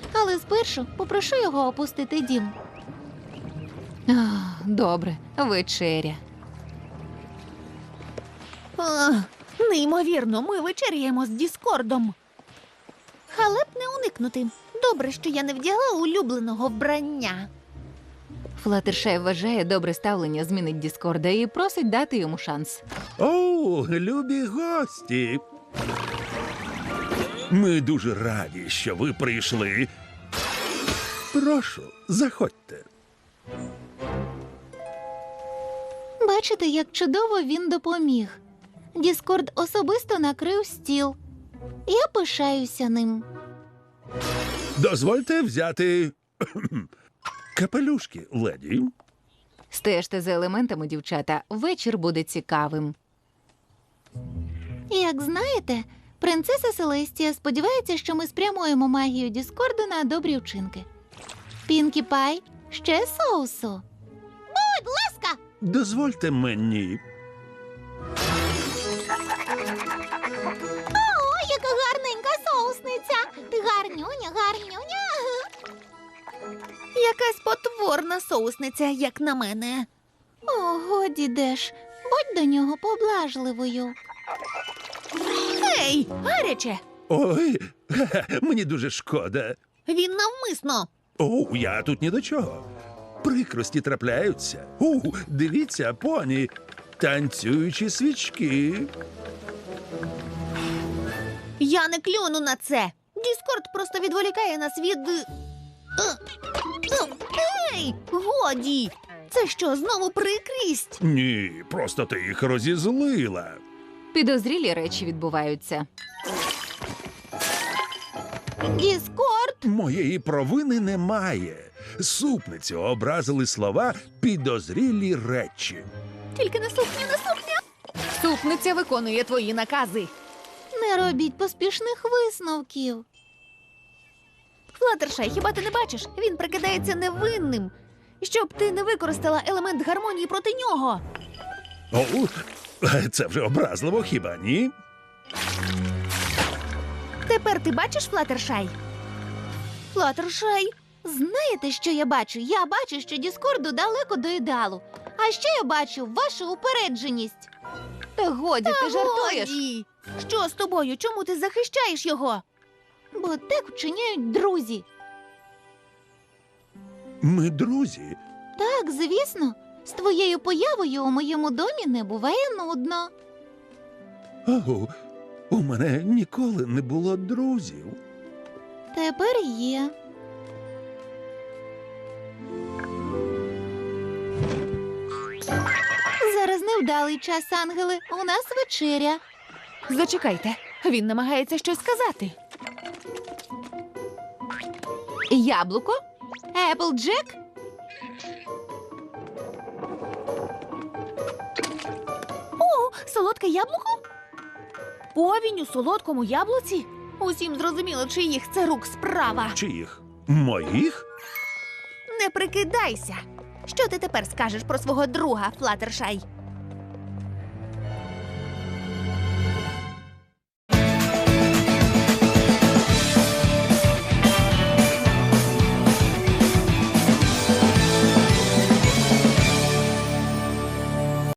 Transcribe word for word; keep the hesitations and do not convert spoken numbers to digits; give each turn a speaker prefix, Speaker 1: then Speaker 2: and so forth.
Speaker 1: Але спершу попрошу його опустити дім.
Speaker 2: Ах, добре, вечеря.
Speaker 3: Ах, неймовірно, ми вечеряємо з Діскордом. Халеп не уникнути. Добре, що я не вдягла улюбленого вбрання.
Speaker 2: Флаттершай вважає, добре ставлення змінить Діскорда і просить дати йому шанс.
Speaker 4: О, любі гості! Ми дуже раді, що ви прийшли. Прошу, заходьте.
Speaker 1: Бачите, як чудово він допоміг. Діскорд особисто накрив стіл. Я пишаюся ним.
Speaker 4: Дозвольте взяти кхм, капелюшки, леді.
Speaker 2: Стежте за елементами, дівчата, вечір буде цікавим.
Speaker 1: Як знаєте, принцеса Селестія сподівається, що ми спрямуємо магію Діскорду на добрі вчинки. Пінкі Пай, ще соусу. Будь ласка!
Speaker 4: Дозвольте мені.
Speaker 1: О, яка гарненька соусниця! Гарнюня, гарнюня.
Speaker 3: Якась потворна соусниця, як на мене.
Speaker 1: О, годі, Деш, будь до нього поблажливою.
Speaker 3: Ей, гаряче!
Speaker 4: Ой, ге-ге, мені дуже шкода.
Speaker 3: Він навмисно.
Speaker 4: О, я тут ні до чого. Прикрості трапляються. У, дивіться, поні, танцюючі свічки.
Speaker 3: Я не клюну на це. Діскорд просто відволікає нас від... Е, е, Ей, годі! Це що, знову прикрість?
Speaker 4: Ні, просто ти їх розізлила.
Speaker 2: Підозрілі речі відбуваються.
Speaker 1: Діскорд!
Speaker 4: Моєї провини немає. Супницю образили слова «підозрілі речі».
Speaker 3: Тільки не сукня, не сукня. Супниця виконує твої накази.
Speaker 1: Не робіть поспішних висновків.
Speaker 3: Флаттершай, хіба ти не бачиш? Він прикидається невинним. Щоб ти не використала елемент гармонії проти нього.
Speaker 4: О, це вже образливо, хіба ні?
Speaker 3: Тепер ти бачиш, Флаттершай? Флаттершай,
Speaker 1: Знаєте, що я бачу? Я бачу, що Діскорду далеко до ідеалу. А ще я бачу вашу упередженість.
Speaker 2: Та годі, ти жартуєш.
Speaker 3: годі! Що з тобою? Чому ти захищаєш його?
Speaker 1: Бо так вчиняють друзі.
Speaker 4: Ми друзі.
Speaker 1: Так, звісно. З твоєю появою у моєму домі не буває нудно.
Speaker 4: О, у мене ніколи не було друзів.
Speaker 1: Тепер є. Зараз невдалий час, ангели. У нас вечеря.
Speaker 3: Зачекайте, він намагається щось сказати.
Speaker 2: Яблуко? Еплджек?
Speaker 3: О, солодке яблуко? Повінь у солодкому яблуці? Усім зрозуміло, чиїх це рук справа.
Speaker 4: Чиїх? Моїх?
Speaker 3: Не прикидайся. Що ти тепер скажеш про свого друга, Флаттершай?